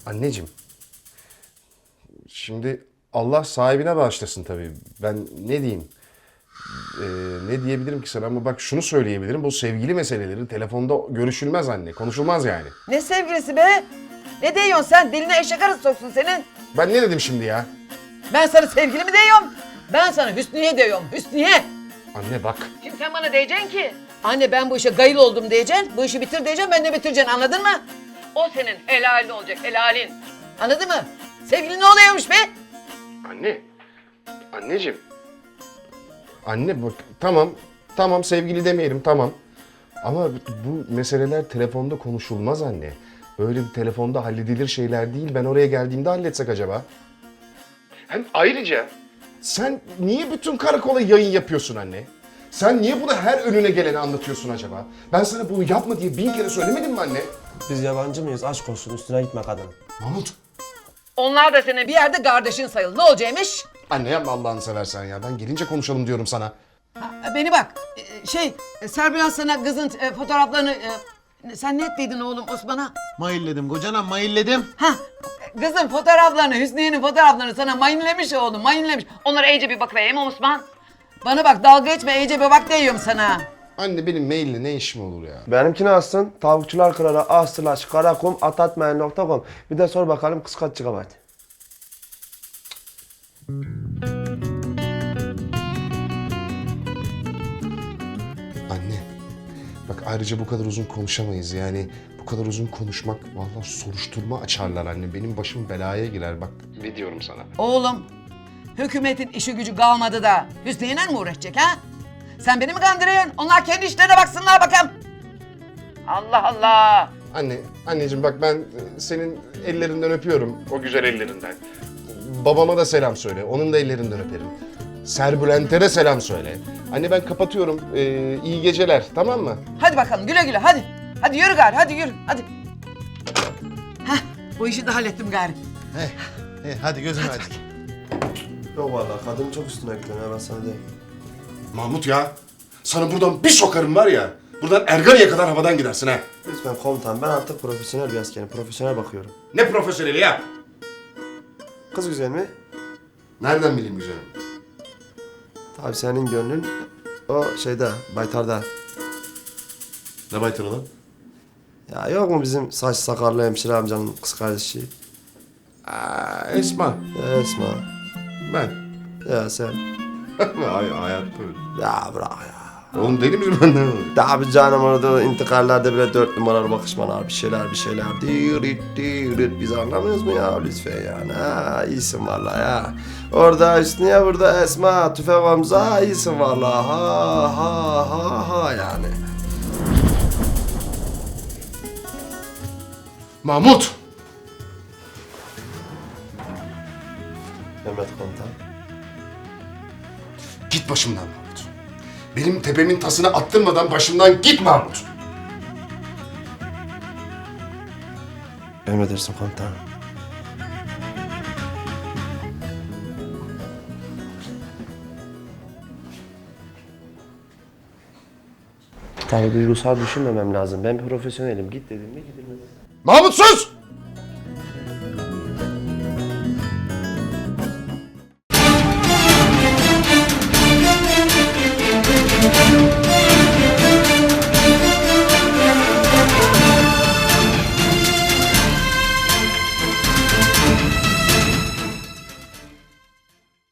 Anneciğim, şimdi Allah sahibine bağışlasın tabii. Ben ne diyeyim? Ne diyebilirim ki sana ama bak şunu söyleyebilirim. Bu sevgili meseleleri telefonda görüşülmez anne. Konuşulmaz yani. Ne sevgilisi be? Ne diyorsun sen? Diline eşek arısı soksun senin. Ben ne dedim şimdi ya? Ben sana sevgili mi diyorum? Ben sana Hüsniye diyorum. Hüsniye. Anne bak. Şimdi sen bana diyeceksin ki. Anne ben bu işe gayıl oldum diyeceksin. Bu işi bitir diyeceksin. Ben de bitireceksin. Anladın mı? O senin helalin olacak. Helalin. Anladın mı? Sevgili ne oluyormuş be? Anne. Anneciğim. Anne bak tamam sevgili demeyelim tamam. Ama bu meseleler telefonda konuşulmaz anne. Böyle bir telefonda halledilir şeyler değil. Ben oraya geldiğimde halletsek acaba? Hem ayrıca sen niye bütün karakola yayın yapıyorsun anne? Sen niye bunu her önüne geleni anlatıyorsun acaba? Ben sana bunu yapma diye 1000 kere söylemedim mi anne? Biz yabancı mıyız? Aşk olsun, üstüne gitme kadının. Mahmut. Onlar da senin bir yerde kardeşin sayılır. Ne olacakmış? Anne yapma Allah'ını seversen ya. Ben gelince konuşalım diyorum sana. Beni bak. Serbilan sana kızın fotoğraflarını... sen ne ettiydin oğlum Osman'a? Mailledim kocanam mailledim. Kızın fotoğraflarını, Hüsniye'nin fotoğraflarını sana mayınlemiş oğlum, mayınlemiş. Onlara iyice bir bakıvereyim Osman. Bana bak dalga geçme, iyice bir bak diyorum sana. Anne benim maille ne işim olur ya? Benimkini alsın. Tavukçular kralı a/karakom@mail.com. Bir de sor bakalım kız kaç GB? Anne, bak ayrıca bu kadar uzun konuşamayız yani. Bu kadar uzun konuşmak vallahi soruşturma açarlar anne. Benim başım belaya girer bak. Ne diyorum sana? Oğlum, hükümetin işi gücü kalmadı da Hüsniye'yle mi uğraşacak ha? Sen beni mi kandırıyorsun? Onlar kendi işlerine baksınlar bakalım. Allah Allah. Anneciğim bak ben senin ellerinden öpüyorum. O güzel ellerinden. Babama da selam söyle. Onun da ellerinden öperim. Serbülent'e de selam söyle. Anne ben kapatıyorum. İyi geceler tamam mı? Hadi bakalım güle güle hadi. Hadi yürü gari hadi yürü hadi. Bu işi de hallettim gari. Hadi gözünü aç. Yok vallahi kadın çok üstüne gidiyor ya, ben sana diyeyim. Mahmut ya. Sana buradan bir sokarım var ya. Buradan Ergani'ye kadar havadan gidersin ha. Lütfen komutan, ben artık profesyonel bir askerim. Profesyonel bakıyorum. Ne profesyoneli ya? Kız güzel mi? Nereden bileyim güzelim? Tabii senin gönlün o şeyde, baytarda. Ne baytını lan? Ya yok mu bizim saç sakallı hemşire amcanın kız kardeşi? Esma. Ya Esma. Ben. Ya sen. Hayat böyle. Ya bırak ya. Oğlum deli misin ben? Tabi canım, orada intikallerde bile 4 numaralı bakışmalar, bir şeyler. Dirit. Biz anlamıyoruz mu ya lütfen yani? Ha, iyisin vallahi ya. Orada Hüsniye, burada Esma, Tüfek Hamza, iyisin vallahi. Ha yani. Mahmut! Mehmet komutan. Git başımdan Mahmut. Benim tepemin tasını attırmadan başımdan git Mahmut. Emredersin komutan. Tabii duygusal düşünmemem lazım. Ben profesyonelim. Git dedim mi gidilmez. Mahmut sus!